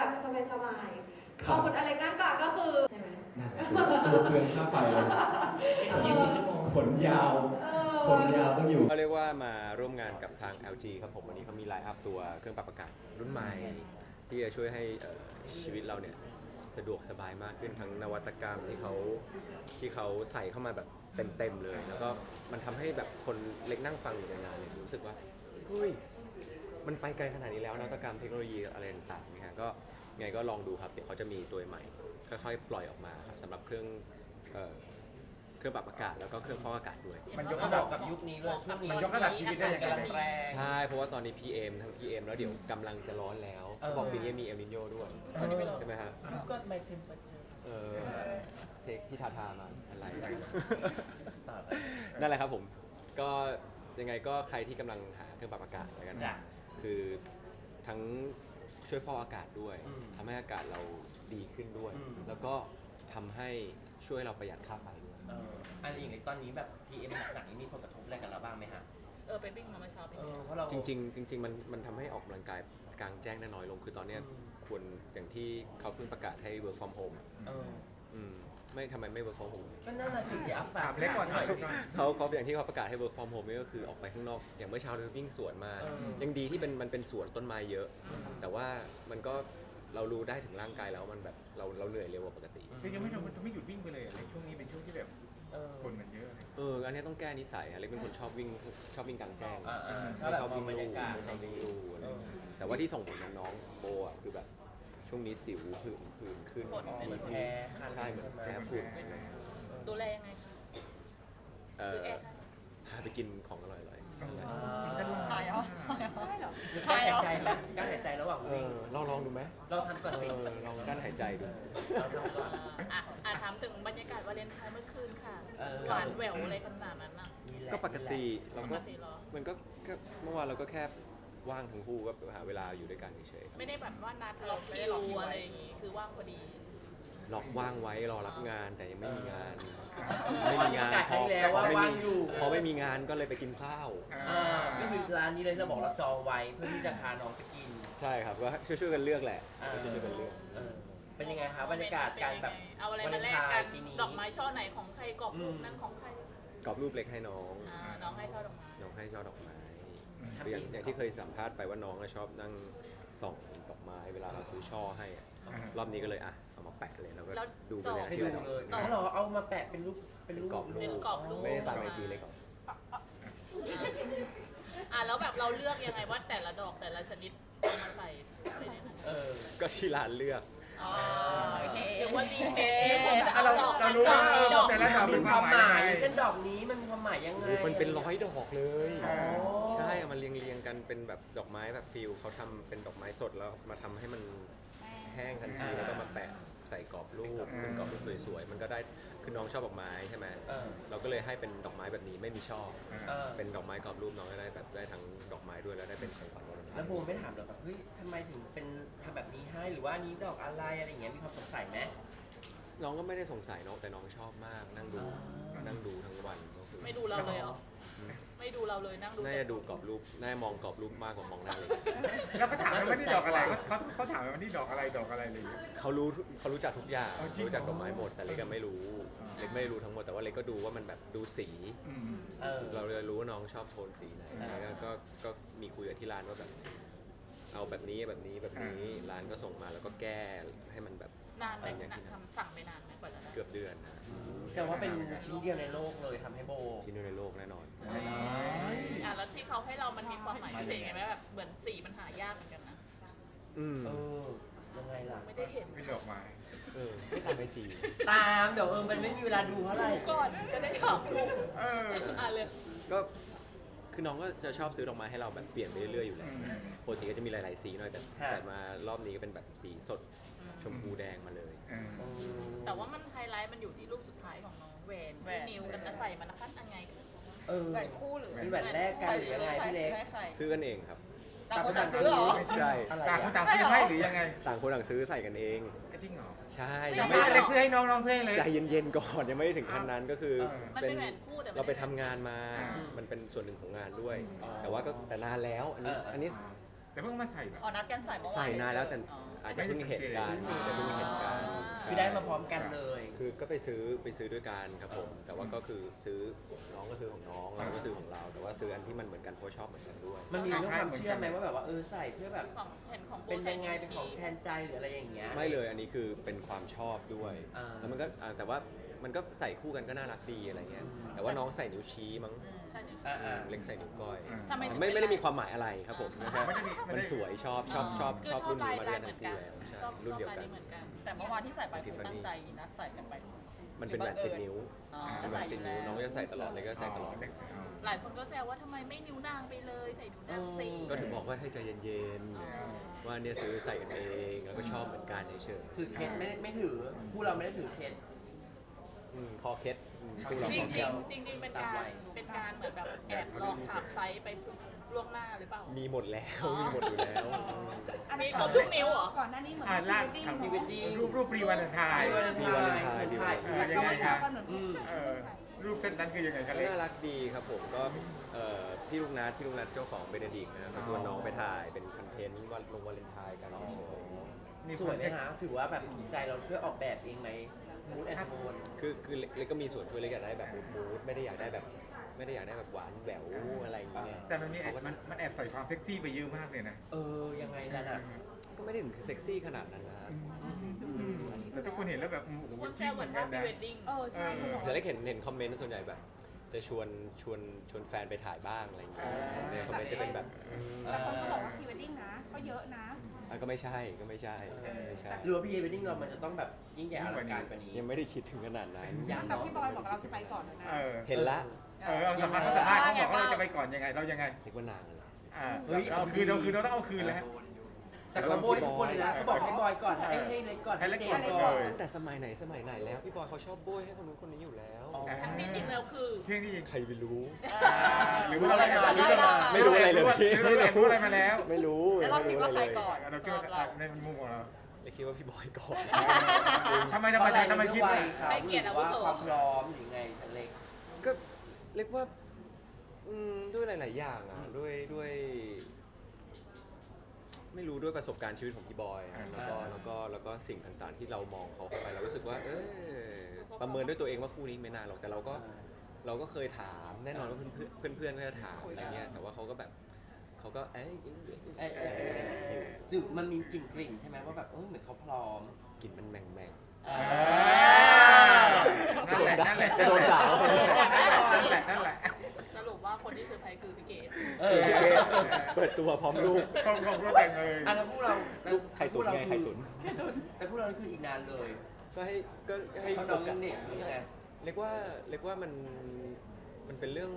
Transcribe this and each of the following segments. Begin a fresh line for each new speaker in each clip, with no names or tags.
แบบสบายๆพอคุณอเล็กหน้ากากก็คือใช่ไหม
นั่นแหละคือเปลืองค่าไฟขนยาวต้องอยู่
เขาเรียกว่ามาร่วมงานกับทาง LG ครับผมวันนี้เขามีไลน์อัพตัวเครื่องปรับอากาศรุ่นใหม่ที่จะช่วยให้ชีวิตเราเนี่ยสะดวกสบายมากขึ้นทั้งนวัตกรรมที่เขาใส่เข้ามาแบบเต็มเลย แล้วก็มันทำให้แบบคนเล็กนั่งฟังอยู่ในงานเนี่ยรู้สึกว่าเฮ้ยมันไปไกลขนาดนี้แล้วนวัตกรรมเทคโนโลยีอะไรต่างๆนะฮะก็ไงก็ลองดูครับเดี๋ยวเขาจะมีตัวใหม่ค่อยๆปล่อยออกมาครับสำหรับเครื่องปรับอากาศแล้วก็เครื่องฟอกอากาศด้วย
มันยกระดับกับยุคนี้เลยช่วงนี้มันยกระดับชีวิตได้ยังไง
ใช่เพราะว่าตอนนี้ PM ทั้ง PM แล้วเดี๋ยวกำลังจะร้อนแล้วบอกปีนี้มีเอลนิโญด้วยตอนนี้ไม่ร้อนใช่ไหมฮะ
ก็ไม่เทมเปอร์เจอร์
เทคพี่ทามาอะไรนั่นแหละครับผมก็ยังไงก็ใครที่กำลังหาเครื่องปรับอากาศแล้วกันคือทั้งช่วยฟอกอากาศด้วยทำให้อากาศเราดีขึ้นด้วยแล้วก็ทำให้ช่วยเราประหยัดค่าไฟด้วย
อะไรอย่างนี้ตอนนี้แบบ PM หนักๆนี้มีผลกระทบอะไรกับเราบ้างไหมฮะ
ไปวิ่งมาเมื่อเช้าไป
เพราะเรา
จริงมันทำให้ออกกำลังกายกลางแจ้งได้น้อยลงคือตอนนี้ควรอย่างที่เขาเพิ่งประกาศให้ work from home ไม่ทำไมไม่ work from home
ก็นั่นน่ะสิอัพฝากเล็กกว่าหน่อย
เขาอย่างที่เขาประกาศให้ work from home นี่ก็คือออกไปข้างนอกอย่างเมื่อเช้าเราวิ่งสวนมายังดีที่มันเป็นสวนต้นไม้เยอะแต่ว่ามันก็เรารู้ได้ถึงร่างกายแล้วมันแบบเราเหนื่อยเร็วกว่าปกติ
คือยังไม่หยุดวิ่งไปเลยอะไรช่วงนี้เป็นช่วงที่แบบคนมันเยอะ
อันนี้ต้องแก้นิสัยเล็กเป็นคนชอบวิ่งกลางแจ้ง
ชอบวิ่งลู่
แต่ว่าที่ส่งผลน้องโบอ่ะคือแบบช่วงนี้สิวผื่นขึ้น
เหมือนแพ้
ใช่เหมือนแพ้ฝุ่น
ดูแลยังไง
พาไปกินของอร่อยๆ
หายเหรอก
ารหายใจไหมการหายใจระหว่างวิ่ง
ลองดูไหม
เราทำก่อนสิ
ลองการหายใจดู
เราทำก่อน
ถามถึงบรรยากาศวาเลนไทน์เมื่อคืนค่ะหวานแหววอะไรขนาดนั้นน่ะ
ก็ปกติเราก็มันก็เมื่อวานเราก็แค่ว่างทั้งคู่ก็หาเวลาอยู่ด้วยกันเฉย
ๆไม่ได้แบบว่านัดล็อกคิวอะไรอย่างงี้คือว่างพอดี
ล็อกว่างไว้รอรับงานแต่ยังไม่มีงานพอไม่มีงานก็เลยไปกินข้าว
ก็คือร้านนี้เลยเราบอกเราจองไว้เพื่อที่จะพาน้องไปกิน
ใช่ครับก็ช่วยกันเลือกแหละช่วยกันเลือก
เป็นยังไงคะบรรยากาศการแบบ
เอาอะไรมาแลกกันดอกไม้ช่อไหนของใครกรอบรูปนั้นของใคร
กรอบรูปเล็กให้น้อง
น้องให้ช่อดอกไม้
อย่างที่เคยสัมภาษณ์ไปว่าน้องชอบนั่งส่องดอกไม้เวลาเราซื้อช่อให้รอบนี้ก็เลยเอามาแปะเลยแล้วก็ดูไปเลย
ให้ดูเลยเหรอเอามาแปะเป็นรูป
กรอบรูปไม่ได้ตามไอจีเลยก่อน
แล้วแบบเราเลือกยังไงว่าแต่ละดอกแต่ละชนิดเอามาใส่อะไรในนั้น
ก็ที่ร้านเลือก
หรือว่ารีเฟซเองผมจะเอาดอก
เรารู้ว่า
ดอก
แต่ละดอก
มีความหมายเช่นดอกนี้มันมีความหมายยังไง
มันเป็น100 ดอกเลยใช่มันเรียงกันเป็นแบบดอกไม้แบบฟิลเขาทำเป็นดอกไม้สดแล้วมาทำให้มันแห้งทันทีแล้วก็มาแปะใส่กรอบรูปเป็นกรอบรูปสวยๆมันก็ได้คือน้องชอบดอกไม้ใช่ไหมเราก็เลยให้เป็นดอกไม้แบบนี้ไม่มีช่อเป็นดอกไม้กรอบรูปน้องก็ได้แบบได้ทั้งดอกไม้ด้วยแล้วได้เป็นของขวัญวันวาเลนไทน์
แล้วโบไม่ถามหรอแบบเฮ้ยทำไมถึงเป็นทำแบบนี้ให้หรือว่านี้ดอกอะไรอะไรอย่างเงี้ยมีความสงสัยไหม
น้องก็ไม่ได้สงสัยน้องแต่น้องชอบมากนั่งดูทั้งวัน
ไม่ดูเราเลยเหรอไม่ดูเราเลยนั่งดู
น่าจะดูกรอบรูปน่ามองกรอบรูปมากกว่ามองหน้าเลย
แล้วก็ถามว่านี่ดอกอะไรเขาถามว่านี่ดอกอะไรเลย
เขารู้จักทุกอย่างรู้จักดอกไม้หมดแต่เล็กก็ไม่รู้ทั้งหมดแต่ว่าเล็กก็ดูว่ามันแบบดูสีเราเลยรู้ว่าน้องชอบโทนสีไหนก็มีคุยกับที่ร้านว่าแบบเอาแบบนี้ร้านก็ส่งมาแล้วก็แก้ให้มันแบบ
นานไหมสั่งไปนานไหมกว่าจะได้
เกือบเดือน
แต่ว่าเป็นชิ้นเดียวในโลกเลยทำให้โบ
ชิ้นเดียวในโลกแน่นอน
แล้วที่เขาให้เรามันมีความหมายพิเศษไงไหมแบบเหมือนสีมันหายากเหมือนกันนะ
ยังไงล่ะ
ไม่ได้เห็น
เป็นดอกไม้
ไม่ตามไปจี
ตามเดี๋ยวมันไม่มีเวลาดูเท่าไหร่
ก่อนจะได้ถามถูกเลย
ก็คือน้องก็จะชอบซื้อดอกไม้ให้เราแบบเปลี่ยนไปเรื่อยๆอยู่แล้วปกติก็จะมีหลายๆสีหน่อยแต่มารอบนี้ก็เป็นแบบสีสดชมพูแดงมาเลย
แต่ว่ามันไฮไลท์มันอยู่ที่รูปสุดท้ายของน้องแหวนที่นิวกันนะใส่มันนะคะยังไง
แหวนคู่หรือแหวนแรกกันหรือยังไงพี่เล็ก
ซื้อกันเองครับ
ต่างคนต่างซื้อหรอ
ใช่
ต่างคนต่างซื้อให้หรือยังไง
ต่างคนต่างซื้อใส่กันเอง
จริงเหรอ
ใช่
ยังไม่ได้ซื้อให้น้องซื้อเลย
ใจเย็นๆก่อนยังไม่ถึงขั้นนั้นก็คือ
เป็นแหวนคู่แต่
เราไปทำงานมามันเป็นส่วนหนึ่งของงานด้วยแต่ว่าก็แต่นานแล้วอันนี้
แต่เพิ่งมาใส่แบบ
อ๋อนัดกันใส่เมื่อวาน
ใส่นานแล้วแต่
อ๋อ
อาจจะเพิ่งเห็นกันอาจจะเพิ่งเห็นกัน
คือได้มาพร้อมกันเลย
คือก็ไปซื้อด้วยกันครับผม แต่ว่าก็คือซื้อน้องก็ซื้อของน้องเราก็ซื้อของเรา แต่ว่าซื้ออันที่มันเหมือนกันเพราะชอบเหมือนกันด้วย
มันมีเรื่องความเชื่อไหมว่าแบบว่าใส่เพื่อแบบ
ของเห็นของโบ
เป็น
ใส่
ยังไง
นิ้ว
เป็นของ
ชี้
แทนใจหรืออะไรอย่างเงี้ย
ไม่เลยอันนี้คือเป็นความชอบด้วย
อ่า
แล้วมันก็แต่ว่ามันก็ใส่คู่กันก็น่ารักดีอะไรเงี้ย แต่ว่าน้องใส่นิ้วชี้มั้ง
ใช่นิ้วชี้
อ่า
เล็กใส่นิ้วก้อย
ทำไมถึง
ไม่
เป็น
ได้มีความหมายอะไรครับผมแค่
ไม่ได้มีไม่ได้
มันสวยชอบ
คือ
รุ่นนี้มาด้วย
เห
ทั้
มื
ง
อนกั
คู่
น
แล้วใช่
ชอบ
รุ่นเดียว
ลาย
กัน
นี้เหมือนกัน แต่เมื่อวานที่ใส่ไปคือตั้งใจนัดใส่กันไป
มันเป็นแบบติดนิ้ว
อ๋อ
เป็นแบบติดนิ้วน้องก็จะใส่ตลอดเลยก็ใส่ตลอด
หลายคนก็แซวว่าทำไมไม่นิ้วนางไปเลยใส่นิ้วนางสิ
ก็ถึงบอกว่าให้ใจเย็นๆว่าเนี่ยซื้อใส่กันเองแล้วก็ชอบเหมือนกันเฉย
ถือเคสไม่ถือคู่เราไม่ได้ถือเคส
คอเคล็ดพวกเรา
จ
ค
ริ
อง เคล็ด
จริงเป็นการเหมือนแบบแอบลองถามไซส์ไปล่วงหน้าหรือเปล่า
มีหมดแล้วมีหมดอยู่แล้ว
มีครบทุกนิ้วเหรอ
ก่อนหน้านี้เหมือน
ล่าง
พรีเวดดิ้ง
รูปพรีวันไทาย
มีวาเลนไทน์
ถ่าย
ยังไงครับ
ก่อนเหมือน
รูปเส้นนั้นคือยังไงกัน
ก็
เล็ก
น่ารักดีครับผมก็พี่ลูกนัดเจ้าของเบเนดิกนะครับเขาชวนน้องไปถ่ายเป็นคอนเทนต์วันลงวาเลนไทน์กันเฉย
สวยไหมฮะถือว่าแบบถูกใจเราช่วยออกแบบเองไหมมูดแอนด์โทน
คือเล็กก็มีส่วนช่วยเล็กอยากได้แบบมูดไม่ได้อยากได้แบบหวานแหววอะไรอย่างเงี้ย
แต่มันมีมันแอบใส่ความเซ็กซี่ไปเยอะมากเลยนะ
ยังไงล่ะน่ะ
ก็ไม่ได้ถึงเซ็กซี่ขนาดนั้นนะครับ
แต่ทุกคนเห็นแล้วแบบโอ้โห
คนแซ
ชิ
ว
ค
เห
เห
มื
มื
อ
อน น
ว่า
กัน
พรี
นะ
เวดดิ้ง
ใช่คุณบอก
แต่เล็กเห็นคอมเมนต์ส่วนใหญ่แบบ จะชวนแฟนไปถ่ายบ้างอะไรอย่างเงี้ยในคอมเมนต์จะเป็นแบบ
แต่คนก็บอกว่าพรีเวดดิ้งนะ ก็เยอะนะ
ก็ไม่ใช่ไม่ใช่
หรือว่าพรีเวดดิ้งเรามันจะต้องแบบยิ่งใหญ่อลังการกว่านี้
ยังไม่ได้คิดถึงขนาดนั้น
แต่พี่บอยบอกเราจะไปก่อนนะ
เห็นละ
เอาสัมภาษณ์เขาบอกว่าเราจะไปก่อนยังไงเรายังไง
เรียกว่านางเลย
เราคืนเราต้องเอาคืนแล้ว
แต่เขาโบยทุกคนเลยนะเขาบอกให้บอยก่อนให้เล็กก่อนให้เจนก่อน
ตั้งแต่สมัยไหนแล้วพี่บอยเขาชอบโบยให้คนนู้นคนนี้อยู่แล้ว
ทั้งที่จริงแล้วคือ
เที่ยงที่จริง
ใครไปรู้
หรือว่าอะไรมา
ไม่รู้อะไรเลย
รู้อะไรมาแล้ว
ไม่รู้
แล้วเราคิดว่าใครก่อน
เราคิดว่าในมุมของเรา
เลยคิดว่าพี่บอยก่อน
ทำไมคิดว่า
ให้เกียรติอาวุโส
ความพร้อมหรือไงเล็ก
ก็เรียกว่าด้วยหลายๆอย่างอ่ะด้วยไม่รู้ด้วยประสบการณ์ชีวิตของพี่บอยอะแล้วก็สิ่งต่างๆที่เรามองเขาเข้าไปเรารู้สึกว่าประเมินด้วยตัวเองว่าคู่นี้ไม่นานหรอกแต่เราก็เคยถามแน่นอนว่าเพื่อนก็จะถามอะไรเงี้ยแต่ว่าเขาก็
ซึ่งมันมีกลิ่นใช่ไหมว่าแบบเหมือนเขาพร้อม
กลิ่นมันแมง
นั่นแหละ
จะโดนด่าไปเลย
นั่นแหละ
สรุปว่าคนที่เซอร์ไพรส์คือพี่เกด
เปิดตัวพร้อมลูก
ของเราแต่งเลย
แล้วคู่เรา
ลูกไข่ตุ๋นไงไข่ตุ๋น
แต่คู่เราคืออีกนานเลย
ก็ให้
เขาน้องยังเด็กใช่ไหม
เรียกว่ามันเป็นเรื่อง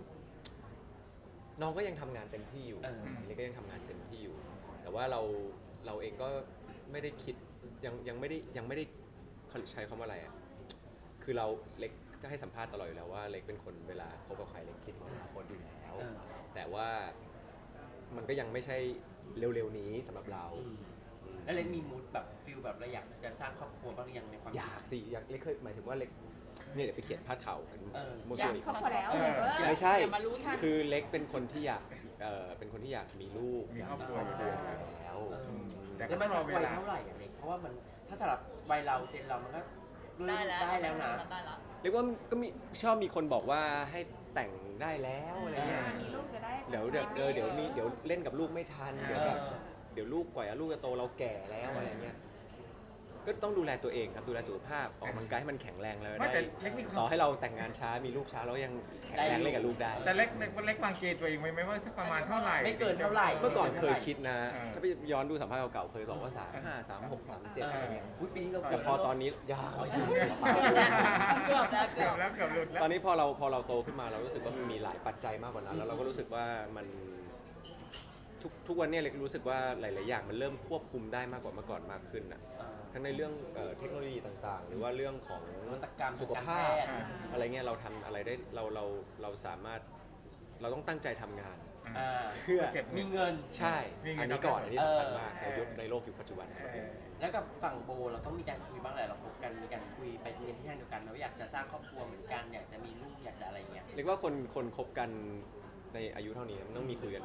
น้องก็ยังทำงานเต็มที่อยู่เล็กก็ยังทำงานเต็มที่อยู่ แต่ว่าเราเองก็ไม่ได้คิดยังไม่ได้ใช้คำว่าอะไรอ่ะคือเราเล็กจะให้สัมภาษณ์ตลอดอยู่แล้วว่าเล็กเป็นคนเวลาคบกับใครเล็กคิดถึงอนาคตอยู่แล้ว แต่ว่ามันก็ยังไม่ใช่เร็วๆนี้สำหรับเรา
แล้วเล็กมีมูดแบบฟิลแบบเราอยากจะสร้างครอบครัวบ้างหรือยังในความ
อยากสิอยากเล็กเคยหมายถึงว่าเล็กเนี่ยเดี๋ยวไปเขียนพาดข่าวกันโม
อ
โซ
ยาก
อีก
ครอบครัวแล้ว
ไม่ใช่
อย่ามารู้ทัน
คือเล็กเป็นคนที่อยากมีลูก
มีครอบครัว
แล้ว
แล้วมันสักวัยเท่าไหร่อะเล็กเพราะว่ามันถ้าสำหรับวัยเราเจนเรามันก็เริ่มได้แล้วนะ
ได้แล้ว
เรียกว่าก็ชอบมีคนบอกว่าให้แต่งได้แล้วอะไรเงี้ย
มีลูกจะได้
เดี๋ยวเล่นกับลูกไม่ทันเดี๋ยวลูกกว่าลูกจะโตเราแก่แล้วอะไรเงี้ยก็ต้องดูแลตัวเองครับดูแลสุขภาพออกกำลังกายให้มันแข็งแรงแล้วได้ต่อให้เราแต่งงานช้ามีลูกช้าเรายังแข็งแรงเล่นกับลูกได้
แต่เล็กวางเกณฑ์ตัวเองไว้ไหมว่าสักประมาณเท่าไหร่
ไม่เกินเท่าไหร่
เมื่อก่อนเคยคิดนะถ้าไปย้อนดูสัมภาษณ์เก่าๆเคยบอกว่า35 36 37อะไรเงี้ย
ปีนี้เรา
แต่พอตอนนี้ยาว
เกือบแล้ว
เกือบหลุดแล้ว
ตอนนี้พอเราโตขึ้นมาเรารู้สึกว่ามันมีหลายปัจจัยมากกว่านั้นแล้วเราก็รู้สึกว่ามันทุกวันนี้เล็กรู้สึกว่าหลายๆอย่างมันเริ่มควบคุมได้มากกว่าเมื่อก่อนมากขึ้นนะทั้งในเรื่องเทคโนโลยีต่างๆ หรือว่าเรื่องของ
นวัตกรรม
สุขภาพอะไรเงี้ยเราทำอะไรได้เราสามารถเราต้องตั้งใจทำงาน เพื่อ
มีเงิน
ใช่อันนี้ก่อนอันนี้สำคัญมากในโลกยุคปัจจุบัน
แล้วกับฝั่งโบเราต้องมีการคุยบ้างแหละเราคบกันมีการคุยไปในที่ทางเดียวกันนะว่าอยากจะสร้างครอบครัวเหมือนกันอยากจะมีลูกอยากจะอะไรเงี้ย
เรียกว่าคนคบกันในอายุเท่านี้มันต้องมีคุยกัน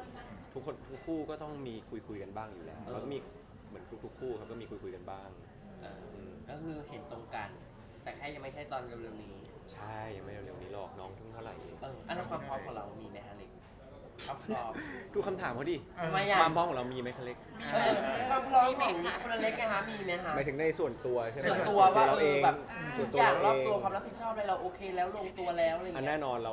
ทุกคู่ก็ต้องมีคุยกันบ้างอยู่แล้วแล้วก็มีเหมือนทุกคู่ครับก็มีคุยกันบ้าง
ก็คือเห็นตรงกัน แต่แค่ยังไม่ใช่ตอนเร็วๆนี้
ใช่ยังไม่เร็วๆนี้หรอกน้องเท่าไหร่เอง
อันนั้นความพร้อมของเรามีไหมฮะเล็กความพร้อม
ดูคำถามเขาดิ
ทำไมอ่ะ
ความพร้อมของเรามีไหมคะเล็ก
ความพร้อมของคนเล็กไงฮะมีไหมฮะ
หมายถึงในส่วนตัวใช่ไหม
ส่วนตัวว่า
เราเอง
แบบ
ส่
ทุ
วน
ก
ตัว
อย่างร
เรา
อบ
เอง
ตัวความรับผิดชอบอะไรเราโอเคแล้วลงตัวแล้วอะไรอย่าง
อัน
เงี้
แน่
ย
นอน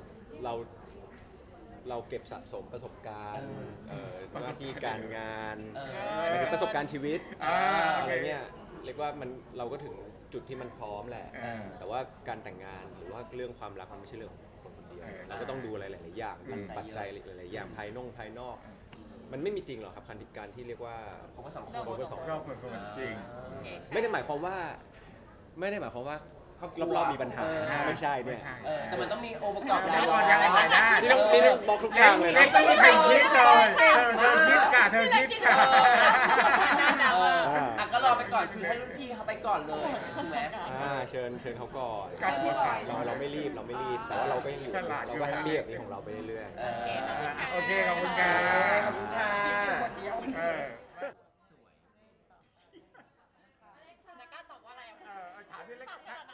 เราเก็บสะสมประสบการณ์หน้าที่การงานหมายถึงประสบการณ์ชีวิต
โอ
อะ
เค
ไรเนี่ยเรียกว่าเราก็ถึงจุดที่มันพร้อมแหละ แต่ว่าการแต่งงานหรือว่าเรื่องความรักมันไม่ใช่เรื่องของคนคนเดียวเราก็ต้องดูอะไรหลายๆอย่างปัจจัยหลายๆอย่างภายนอก มันไม่มีจริงหรอกครับการที่เรียกว่า
ของผสม
คบกันสองคน
รอบคนจริง
ไม่ได้หมายความว่า รอบๆมีปัญหาไม่ใช่เนี่ย
แต่มันต้องมีองค์ประกอบ
เดี๋ยวก่อนยังไงได้
นี่ต้องบล็อกทุกทางเลย
เล็
นะ
กต้องให้คิดเลยเธอคิดค่ะเธอคิดค่ะ
ก็รอไปก่อนคือให้รุ่นพี่เขาไปก่อนเลยถูกไหม
เชิญเขาก่อน
การพูดค่ะ
เราไม่รีบแต่ว่าเราก็ยังอยู่
ฉลาดอยู่
เราก็แฮปปี้กับนี้ของเราไปเรื่อย
โอเคขอบคุณค่ะ
ขอบคุณค่ะ
แล้วก็ตอบว่าอะไร
ถามที่เล็ก